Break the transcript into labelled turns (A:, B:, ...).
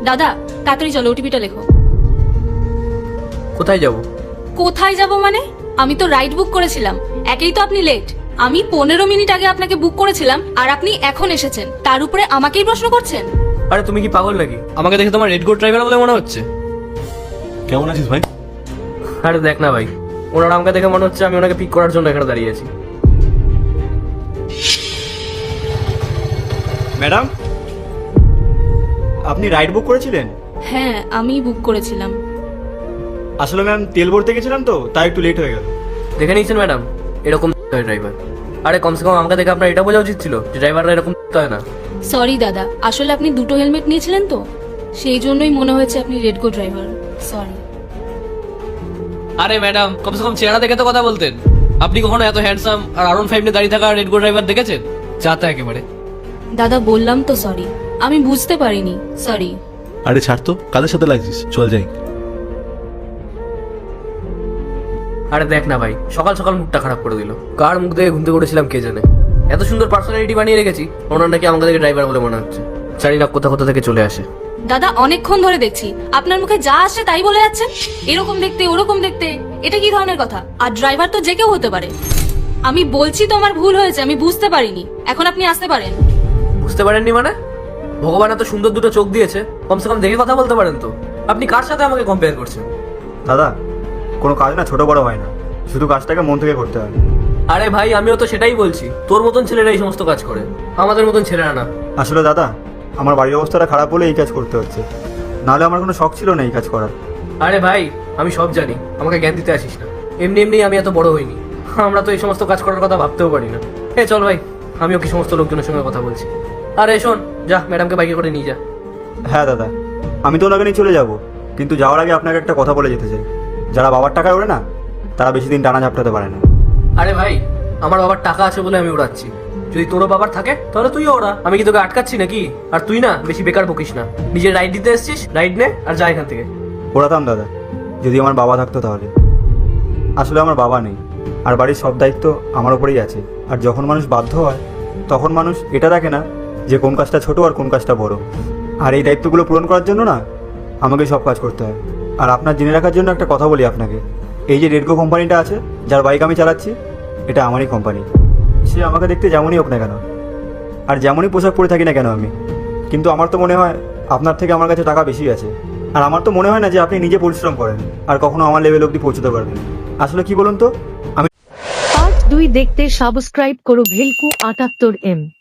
A: দাদা তাড়াতাড়ি চলো, ওটিপিটা লেখো।
B: কোথায় যাব?
A: কোথায় যাব মানে? আমি তো রাইড বুক করেছিলাম, একেই তো আপনি লেট। আমি 15 মিনিট আগে আপনাকে বুক করেছিলাম আর আপনি এখন এসেছেন, তার উপরে আমাকেই প্রশ্ন করছেন।
B: আরে তুমি কি পাগল নাকি? আমাকে দেখে তোমার রেড গোল্ড ড্রাইভার বলে মনে হচ্ছে।
C: কেমন আছিস ভাই?
B: আরে দেখ না ভাই, ওনার আমাকে দেখে মনে হচ্ছে আমি ওনাকে পিক করার জন্য এখানে দাঁড়িয়ে আছি।
C: ম্যাডাম, আপনি রাইড বুক করেছিলেন?
A: হ্যাঁ আমি বুক করেছিলাম।
C: আসলে ম্যাম তেল ভরতে গেছিলাম তো, তাই একটু লেট হয়ে গেল।
B: দেখে নিয়েছেন ম্যাডাম, এরকম ড্রাইভার। আরে কমসে কম আমাকে দেখে আপনার এটা বোঝা উচিত ছিল যে ড্রাইভাররা এরকম হয় না।
A: সরি দাদা, আসলে আপনি দুটো হেলমেট নিয়েছিলেন তো, সেই জন্যই মনে হয়েছে আপনি রেড গো ড্রাইভার। সরি।
B: আরে ম্যাডাম, কমসে কম চেহারা দেখে তো কথা বলতেন। আপনি কখনো এত হ্যান্ডসাম আর আরন 5 নিয়ে দাঁড়িয়ে থাকা রেড গো ড্রাইভার দেখেছেন? চাতা একেবারে।
A: দাদা বললাম তো সরি, আমি বুঝতে পারিনি, সরি।
D: আরে ছাড় তো, কাদের সাথে লাগছিস, চল যাই।
B: আরে দেখ না ভাই, সকাল সকাল মুখটা খারাপ করে দিল। কার মুখ দেখে ঘুমতে করেছিলাম কে জানে। এত সুন্দর পার্সোনালিটি বানিয়ে রেখেছি, ওনার নাকি আমাকে দেখে ড্রাইভার বলে মনে হচ্ছে। জানি না কোথা কোথা থেকে চলে আসে।
A: দাদা অনেকক্ষণ ধরে দেখছি আপনার মুখে যা আসে তাই বলে যাচ্ছেন, এরকম দেখতে ওরকম দেখতে। এটা কি ধরনের কথা? আর ড্রাইভার তো যে কেউ হতে পারে। আমি বলছি তো আমার ভুল হয়েছে, আমি বুঝতে পারিনি, এখন আপনি আসতে পারেন।
B: বুঝতে পারেননি মানে? ভগবান এত সুন্দর দুটো চোখ দিয়েছে, কমসে কম দেখে কথা বলতে পারেন তো। আপনি কার সাথে আমাকে কম্পেয়ার করছেন?
C: দাদা, কোনো কাজ না ছোট বড় হয় না, শুধু কাজটাকে মন থেকে করতে হয়।
B: আরে ভাই, আমিও তো সেটাই বলছি। তোর মতন ছেলেরা এই সমস্ত কাজ করে, আমাদের মতন ছেলেরা না।
C: আসলে দাদা, আমার বাড়ির অবস্থাটা খারাপ বলে এই কাজ করতে হচ্ছে, নাহলে আমার কোনো শখ ছিল না এই কাজ করার।
B: আরে ভাই, আমি সব জানি, আমাকে জ্ঞান দিতে আসিস না। এমনি এমনি আমি এত বড় হইনি, আমরা তো এই সমস্ত কাজ করার কথা ভাবতেও পারি না। চল ভাই, আমিও কি সমস্ত লোকজনের সঙ্গে কথা বলছি। আরে শোন, যা ম্যাডামকে বাইকে করে নিয়ে যা।
C: হ্যাঁ দাদা, আমি তো ওনাকে নিয়ে চলে যাব, কিন্তু যাওয়ার আগে আপনাকে একটা কথা বলে যেতে চাই। যারা বাবার টাকায় ওড়ে না, তারা বেশি দিন টানা ঝাপটাতে পারে না।
B: আরে ভাই, আমার বাবার টাকা আছে বলে আমি উড়াচ্ছি। যদি তোরও বাবার থাকে তাহলে তুইও ওরা। আমি কি তোকে আটকাচ্ছি নাকি? আর তুই না বেশি বেকার বকিস না। নিজে রাইড দিতে এসছিস, রাইড নে আর যা এখান থেকে।
C: ওড়াতাম দাদা, যদি আমার বাবা থাকতো তাহলে। আসলে আমার বাবা নেই, আর বাড়ির সব দায়িত্ব আমার উপরেই আছে। আর যখন মানুষ বাধ্য হয়, তখন মানুষ এটা দেখে না যে কোন কাজটা ছোট আর কোন কাজটা বড়। আর এই দায়িত্বগুলো পূরণ করার জন্য না আমাকে সব কাজ করতে হয়। আর আপনার জেনে রাখার জন্য একটা কথা বলি আপনাকে, এই যে রেডগো কোম্পানিটা আছে, যার বাইক আমি চালাচ্ছি, এটা আমারই কোম্পানি। সে আমাকে দেখতে যেমনই হোক না কেন, আর যেমনই পোশাক পরে থাকি না কেন আমি, কিন্তু আমার তো মনে হয় আপনার থেকে আমার কাছে টাকা বেশি আছে। আর আমার তো মনে হয় না যে আপনি নিজে পরিশ্রম করেন আর কখনো আমার লেভেল অবধি পৌঁছতে পারবেন। আসলে কি বলুন তো, আমি
E: পার্ট 2 দেখতে সাবস্ক্রাইব করো ভেলকু 78M।